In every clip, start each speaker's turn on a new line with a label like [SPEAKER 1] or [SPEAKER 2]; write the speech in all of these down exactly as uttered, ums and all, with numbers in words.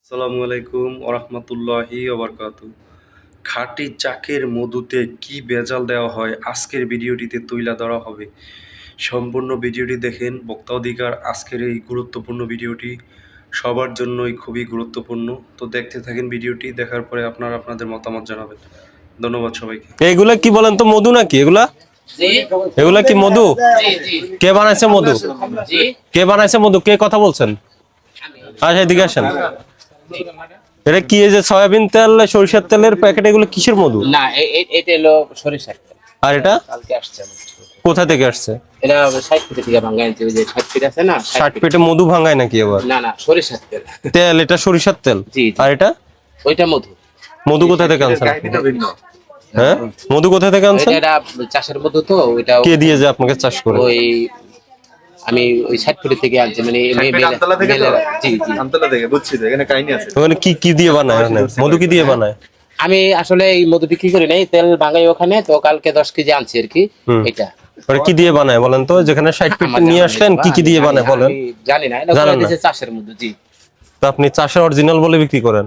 [SPEAKER 1] আসসালামু আলাইকুম ওয়া রাহমাতুল্লাহি ওয়া বারাকাতুহু। খাঁটি চাকের মধুতে কি ভেজাল দেওয়া হয় আজকের ভিডিওটিতে তুইলা ধরা হবে। সম্পূর্ণ ভিডিওটি দেখেন। ভোক্তা অধিকার আজকের এই গুরুত্বপূর্ণ ভিডিওটি সবার জন্যই খুবই গুরুত্বপূর্ণ। তো দেখতে থাকেন ভিডিওটি, দেখার পরে আপনারা আপনাদের মতামত জানাবেন। ধন্যবাদ সবাইকে।
[SPEAKER 2] এগুলা কি বলেন তো, মধু নাকি এগুলা? এগুলা কি মধু? কে বানাইছে মধু? কে বানাইছে মধু? কে কথা বলছেন? আচ্ছা এদিকে আসেন। এটা কি, এই যে সয়াবিন তেল সরিষার তেলের প্যাকেট, এগুলো কিসের মধু?
[SPEAKER 3] না, এটা হলো সরিষার তেল।
[SPEAKER 2] আর এটা
[SPEAKER 3] কালকে আসছে।
[SPEAKER 2] কোথা থেকে আসছে?
[SPEAKER 3] এটা ষাট ফিট থেকে ভাঙায় আনছে। ওই যে ষাট ফিট আছে না,
[SPEAKER 2] ষাট ফিটে মধু ভাঙায় নাকি আবার?
[SPEAKER 3] না না, সরিষার তেল।
[SPEAKER 2] তেল, এটা সরিষার তেল।
[SPEAKER 3] জি।
[SPEAKER 2] আর এটা
[SPEAKER 3] ওইটা মধু।
[SPEAKER 2] মধু কোথা থেকে আনছেন? হ্যাঁ, মধু কোথা থেকে আনছেন?
[SPEAKER 3] এটা চাষের মধু তো। ওইটা
[SPEAKER 2] কে দিয়ে যে আপনাকে চাষ করে?
[SPEAKER 3] ওই আমি ওই ষাট ফিট থেকে আনছি। মানে জি জি
[SPEAKER 4] আমতলা থেকে। বুঝছি তো, এখানে কাহিনী আছে।
[SPEAKER 2] ওখানে কি কি দিয়ে বানায়? মধু কি দিয়ে বানায়?
[SPEAKER 3] আমি আসলে এই মধু বিক্রি করি নাই, তেল ভাঙাই ওখানে। তো কালকে দশ কেজি আনছি আর কি। এটা
[SPEAKER 2] ওটা কি দিয়ে বানায় বলেন তো? যেখানে ষাট ফিট নিয়ে আসলেন, কি কি দিয়ে বানায় বলেন?
[SPEAKER 3] জানি না, এটা চাষের মধু। জি।
[SPEAKER 2] তো আপনি চাষের অরিজিনাল বলে বিক্রি করেন?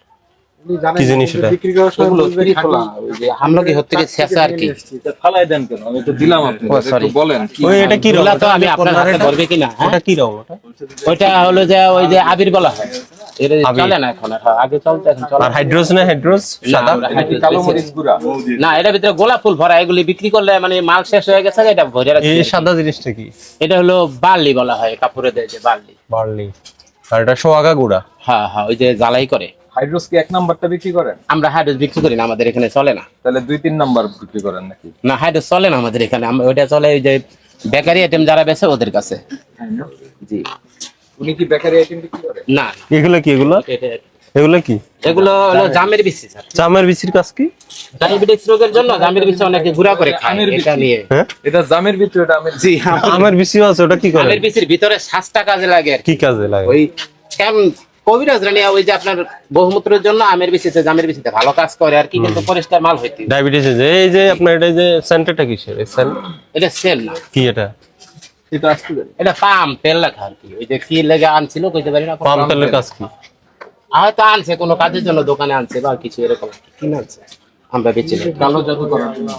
[SPEAKER 2] কি জিনিস এটা?
[SPEAKER 4] বিক্রি করার সময় বলবেন খোলা।
[SPEAKER 3] ওই যে হামলকি হতে থেকে শেষা আর কি।
[SPEAKER 4] ফালাই দেন কেন? আমি তো দিলাম আপনাকে। একটু বলেন কি?
[SPEAKER 2] ওই এটা কি রং?
[SPEAKER 3] তো আমি আপনার হাতে ধরবে কিনা?
[SPEAKER 2] ওটা কি রং? ওটা
[SPEAKER 3] ওইটা হলো যে ওই যে আবির বলা হয়। এটা চলে না এখন, আগে চলতো, এখন চলে।
[SPEAKER 2] আর হাইড্রোজ না? হাইড্রোজ সাদা?
[SPEAKER 4] কালো মরিচ গুঁড়া।
[SPEAKER 3] না, এটা ভিতরে গোলাপ ফুল ভরা। এগুলি বিক্রি করলে মানে মাল শেষ হয়ে গেছে, এটা ভরে রাখছি।
[SPEAKER 2] এই সাদা জিনিসটা কি?
[SPEAKER 3] এটা হলো বার্লি বলা হয়, কাপড়ে দেয় যে বার্লি।
[SPEAKER 2] বার্লি। আর এটা সোয়াগা গুড়া।
[SPEAKER 3] হ্যাঁ হ্যাঁ, ওই যে জ্বালাই করে।
[SPEAKER 4] হাইড্রোস কি এক নাম্বারটা বিক্রি করেন?
[SPEAKER 3] আমরা হাইড্রোস বিক্রি করি না, আমাদের এখানে চলে না।
[SPEAKER 4] তাহলে দুই তিন নাম্বার বিক্রি করেন নাকি?
[SPEAKER 3] না, হাইড্রোস চলে না আমাদের এখানে। আমরা ওইটা চলে ওই যে বেকারি আইটেম যারা বেচে ওদের কাছে। জি।
[SPEAKER 4] উনি কি বেকারি আইটেম বিক্রি করেন?
[SPEAKER 3] না,
[SPEAKER 2] এগুলো কি? এগুলো
[SPEAKER 3] এটা-
[SPEAKER 2] এগুলো কি?
[SPEAKER 3] এগুলো হলো জামের বিচি স্যার।
[SPEAKER 2] চামের বিচির কাজ কি?
[SPEAKER 3] ডায়াবেটিস রোগের জন্য জামের বিচি অনেকে গুঁড়া করে খায়।
[SPEAKER 4] আমের বিচি।
[SPEAKER 3] এটা নিয়ে
[SPEAKER 2] হ্যাঁ,
[SPEAKER 4] এটা জামের ভিতরে, এটা আমের।
[SPEAKER 3] জি,
[SPEAKER 2] আমের বিচিও আছে। ওটা কি করে?
[SPEAKER 3] আমের বিচির ভিতরে শ্বাসটা কাজে লাগে আর কি।
[SPEAKER 2] কি কাজে লাগে?
[SPEAKER 3] ওই কেমন কবিরাজ রানী ওই যে আপনার বহুমূত্রের জন্য আমের বিচিতে, জামের বিচিতে ভালো কাজ করে আর কি। কিন্তু পরিষ্কার মাল হইতে।
[SPEAKER 2] ডায়াবেটিস, এই যে আপনার এটা যে সেন্টারটা কিসের? এই সেন্ট
[SPEAKER 3] এটা সেল না,
[SPEAKER 2] কি এটা?
[SPEAKER 4] এটা আসতে দেন।
[SPEAKER 3] এটা পাম তেল লেখা আর কি। ওই যে কি লেগে আনছিল কইতে পারি না।
[SPEAKER 2] পাম তেলের কাজ কি?
[SPEAKER 3] হয়তো আনছে কোনো কাজের জন্য, দোকানে আনছে বা কিছু এরকম কিনে আনছে। আমরা বেচি না।
[SPEAKER 4] কালো জাদু করার জন্য।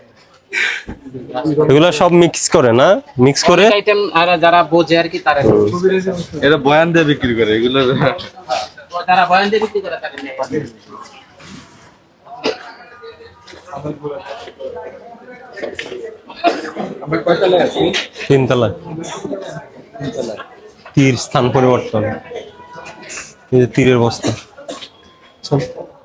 [SPEAKER 2] এগুলো সব মিক্স করে না? মিক্স করে
[SPEAKER 3] আইটেম আর যারা বোঝে আর কি তারা
[SPEAKER 4] এটা বয়ান দিয়ে বিক্রি করে এগুলো।
[SPEAKER 3] তারা বয়ান দিয়ে বিক্রি করে তারা নেয়।
[SPEAKER 4] আমরা কয়তলে আছি?
[SPEAKER 2] তিনতলা। তীর স্থান পরিবর্তন। এই যে তীরের বস্তা। চল।